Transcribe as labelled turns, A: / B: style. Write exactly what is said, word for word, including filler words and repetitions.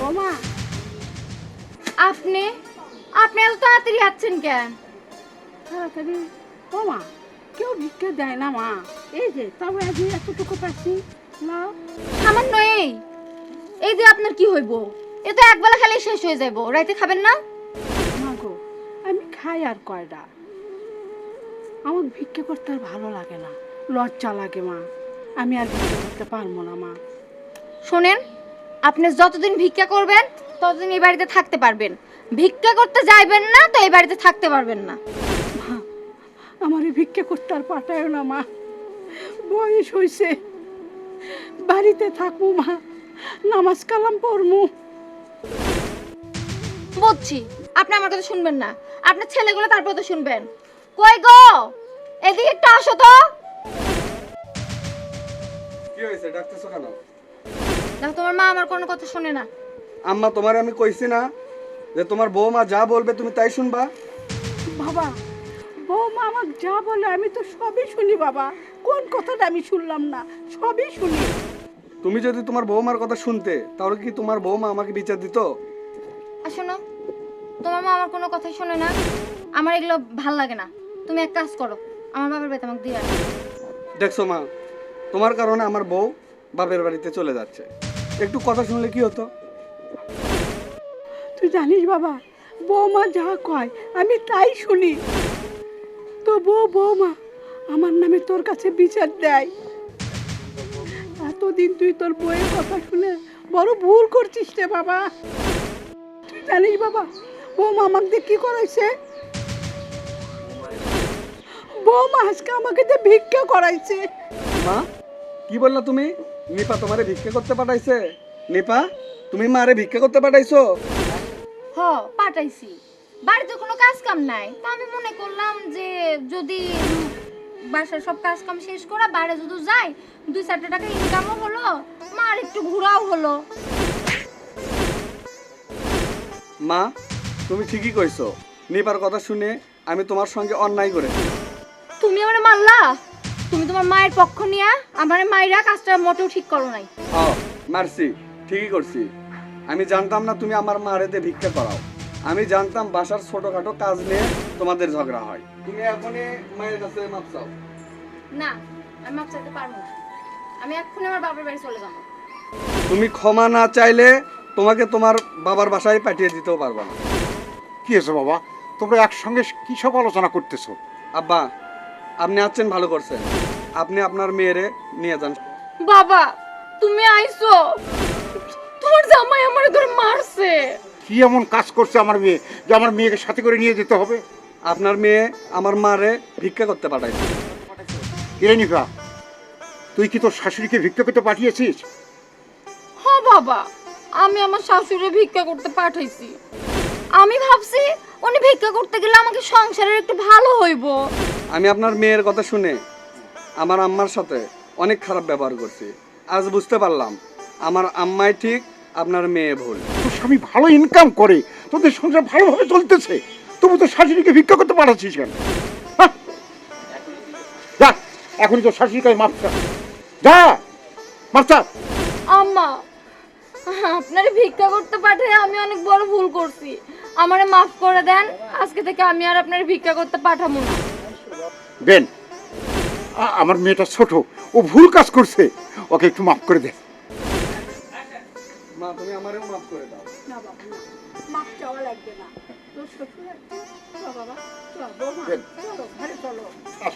A: বৌমা
B: আপনি আপনি এত তাড়াতাড়ি যাচ্ছেন কেন?
A: তাড়াতাড়ি বৌমা কেউ ভিক্ষা দেয় না মা, এই যে তবে আজ এতটুকু পাচ্ছি নাও।
B: সামান্য এই এই যে আপনার কি হইব? এ তো একবেলা খালি শেষ হয়ে যাইব, রাইতে খাবেন না?
A: মা গো আমি খাই আর কয়টা, আমার ভিক্ষা করতে আর ভালো লাগে না, লজ্জা লাগে মা, আমি আর ভিক্ষা করতে পারবো না মা।
B: শোনেন, আপনি যতদিন ভিক্ষা করবেন ততদিন এই বাড়িতে থাকতে পারবেন, ভিক্ষা করতে যাইবেন না তো এই বাড়িতে থাকতে পারবেন না।
A: মা আমার এই ভিক্ষা করতে আর পাঠায় না মা, বয়স হয়েছে, বাড়িতে থাকবো মা, নামাজ কালাম পড়মু।
B: বুঝছি আপনি আমার কথা শুনবেন না, আপনার ছেলেগুলো তারপর তো শুনবেন। কই গো, এদিকে একটু আসো তো।
C: কি হয়েছে, ডাকতেছো কেন?
B: দেখো তোমার মা আমার কোনো কথা শুনে না।
C: আম্মা তোমারে আমি কইছি না যে তোমার বৌমা যা বলবে তুমি তাই শুনবা?
A: বাবা বৌমা আমাকে যা বলে আমি তো সবই শুনি বাবা, কোন কথাটা আমি শুনলাম না, সবই শুনি।
C: তুমি যদি তোমার বৌমার কথা শুনতে তাহলে কি তোমার বৌমা আমাকে বিচার দিত?
B: আর শোনো, তোমার মা আমার কোনো কথাই শোনে না, আমার এগুলো ভাল লাগে না। তুমি এক কাজ করো, আমার বাবার বাড়িতে আমাকে দিয়ে আসো।
C: দেখছো মা, তোমার কারণে আমার বউ বাপের বাড়িতে চলে যাচ্ছে, একটু কথা শুনলে কি হতো?
A: তুই জানিস বাবা, বৌমা যা কয় আমি তাই শুনি, তো বউ বৌমা আমার নামে তোর কাছে বিচার দেয়। এতদিন তুই তোর বউয়ের কথা শুনে বড় ভুল করছিস রে বাবা। তুই জানিস বাবা বৌমা আমাকে দিয়ে কি করাইছে? বৌমা আজকে আমাকে দিয়ে ভিক্ষা করাইছে।
C: মা কি বললা তুমি? নিপা তোমারে ভিক্ষা করতে পাঠাইছে? নিপা তুমি মারে ভিক্ষা করতে পাঠাইছো?
B: হ, পাঠাইছি। বাড়িতে কোনো কাজ কাম নাই, তো আমি মনে করলাম যে যদি উম, বাসার সব কাজ কাম শেষ করা বাইরে যদি যাই, দুই চারটে টাকা ইনকামও হলো, মার একটু ঘোরাও হলো।
C: মা তুমি ঠিকই কইছো, নিপার কথা শুনে আমি তোমার সঙ্গে অন্যায় করেছি।
B: তুমি আমার মারলা, তুমি তোমার মায়ের পক্ষ নিয়ে আমার মায়েরা কাজটা মোটেও ঠিক করো নাই।
C: ও মারছি, ঠিকই করছি। আমি জানতাম না তুমি আমার মারেতে ভিক্ষা করাও, আমি জানতাম বাসার ছোটখাটো কাজ নিয়ে তোমাদের ঝগড়া হয়। তুমি এখনই মায়ের কাছে মাপ চাও।
B: না, আমি মাপ চাইতে পারবো না, আমি এক্ষুনি আমার বাবার বাড়ি চলে যাবো।
C: তুমি ক্ষমা না চাইলে তোমাকে তোমার বাবার বাসায় পাঠিয়ে দিতেও পারবো না।
D: কি হয়েছে বাবা, তোমরা একসঙ্গে কি সব আলোচনা করতেছো?
C: আব্বা আপনি আছেন ভালো করছেন, আপনি আপনার মেয়েরে নিয়ে যান।
B: বাবা তুমি আইছো, তোমার জামাই আমার ধরে মারছে।
D: কি এমন কাজ করছে আমার মেয়ে যে আমার মেয়েকে সাথে করে নিয়ে যেতে হবে?
C: আপনার মেয়ে আমার মারে ভিক্ষা করতে পাঠাইছে।
D: কিরে নিপা, তুই কি তোর শাশুড়িকে ভিক্ষা করতে পাঠিয়েছিস?
B: হ্যাঁ বাবা, আমি আমার শাশুড়ি ভিক্ষা করতে পাঠাইছি। আমি ভাবছি উনি ভিক্ষা করতে গেলে আমাকে সংসারের একটু ভালো হইব।
C: আমি আপনার মেয়ের কথা শুনে আমার আম্মার সাথে অনেক খারাপ ব্যবহার করছি, আজ বুঝতে পারলাম আমার আম্মাই ঠিক, আপনার মেয়ে ভুল।
D: তোর স্বামী ভালো ইনকাম করে, তোদের সংসার ভালোভাবে চলতেছে, তবু তোর শাশুড়িকে ভিক্ষা করতে পাঠাচ্ছিস কেন? হ্যাঁ? যা এখনই তোর শাশুড়িকে মাপ চা, যা মাপ চা।
B: আম্মা, আপনারে ভিক্ষা করতে পাঠাই আমি অনেক বড় ভুল করছি, আমারে মাফ করে দেন। আজকে থেকে আমি আর আপনারে ভিক্ষা করতে পাঠাবো না।
D: বেন, আ- আমার মেয়েটা ছোট, ও ভুল কাজ করছে, ওকে একটু মাফ করে দে।
C: মা তুমি আমারেও মাফ করে দাও।
A: না বাবা না, মাপ চাওয়া লাগবে না, তোর শ্বশুর আছে। চল বাবা চল বৌমা,
D: বেন।
A: চলো ঘরে চলো।
D: আস।